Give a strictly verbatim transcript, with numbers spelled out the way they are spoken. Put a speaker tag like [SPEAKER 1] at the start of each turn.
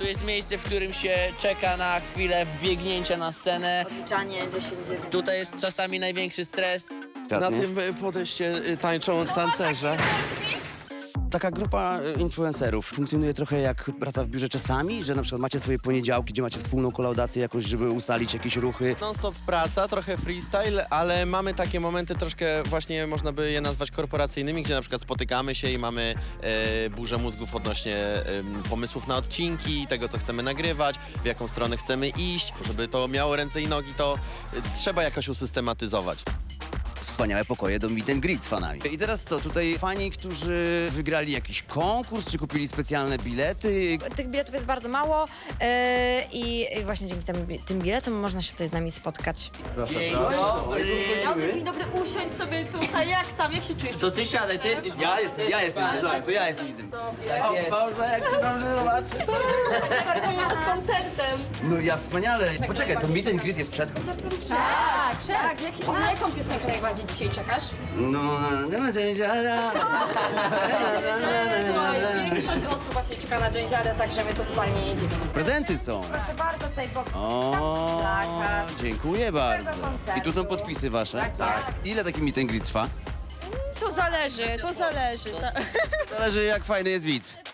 [SPEAKER 1] Tu jest miejsce, w którym się czeka na chwilę wbiegnięcia na scenę.
[SPEAKER 2] Odliczanie dziesięć dziewięć.
[SPEAKER 1] Tutaj jest czasami największy stres.
[SPEAKER 3] Na tym y, podejście y, tańczą tancerze. Taka grupa y, influencerów funkcjonuje trochę jak praca w biurze czasami, że na przykład macie swoje poniedziałki, gdzie macie wspólną kolaudację jakoś, żeby ustalić jakieś ruchy.
[SPEAKER 4] Non-stop praca, trochę freestyle, ale mamy takie momenty troszkę właśnie można by je nazwać korporacyjnymi, gdzie na przykład spotykamy się i mamy e, burzę mózgów odnośnie e, pomysłów na odcinki, tego co chcemy nagrywać, w jaką stronę chcemy iść. Żeby to miało ręce i nogi, to e, trzeba jakoś usystematyzować.
[SPEAKER 3] Wspaniałe pokoje do meet and greet z fanami. I teraz co, tutaj fani, którzy wygrali jakiś konkurs, czy kupili specjalne bilety?
[SPEAKER 2] Tych biletów jest bardzo mało yy, i właśnie dzięki tym, tym biletom można się tutaj z nami spotkać.
[SPEAKER 1] Dzień dobry.
[SPEAKER 5] Dobry, dzień dobry, usiądź sobie tutaj. Jak tam, jak się czujesz?
[SPEAKER 1] To ty siadaj, ty jesteś...
[SPEAKER 3] Ja jestem, ja jestem widzem, dobra, to ja jestem widzem.
[SPEAKER 1] Tak jest.
[SPEAKER 3] Boże, jak cię dobrze zobaczyć.
[SPEAKER 5] Przed koncertem.
[SPEAKER 3] No ja wspaniale. Poczekaj, to meet and greet jest przed koncertem?
[SPEAKER 5] Tak, tak. Jak, na jaką piosenkę najbardziej dzisiaj czekasz?
[SPEAKER 3] No, nie ma dzięziara.
[SPEAKER 5] Słuchaj, większość osób właśnie czeka na Jęziarę, także my to totalnie jedziemy.
[SPEAKER 3] Prezenty są.
[SPEAKER 2] Proszę bardzo, tutaj box.
[SPEAKER 3] O,
[SPEAKER 2] Plakat.
[SPEAKER 3] dziękuję bardzo.
[SPEAKER 2] koncertu.
[SPEAKER 3] I tu są podpisy wasze?
[SPEAKER 2] Tak.
[SPEAKER 3] Ile taki meet and greet trwa?
[SPEAKER 6] To zależy, to zależy. Tak.
[SPEAKER 3] Zależy jak fajny jest widz.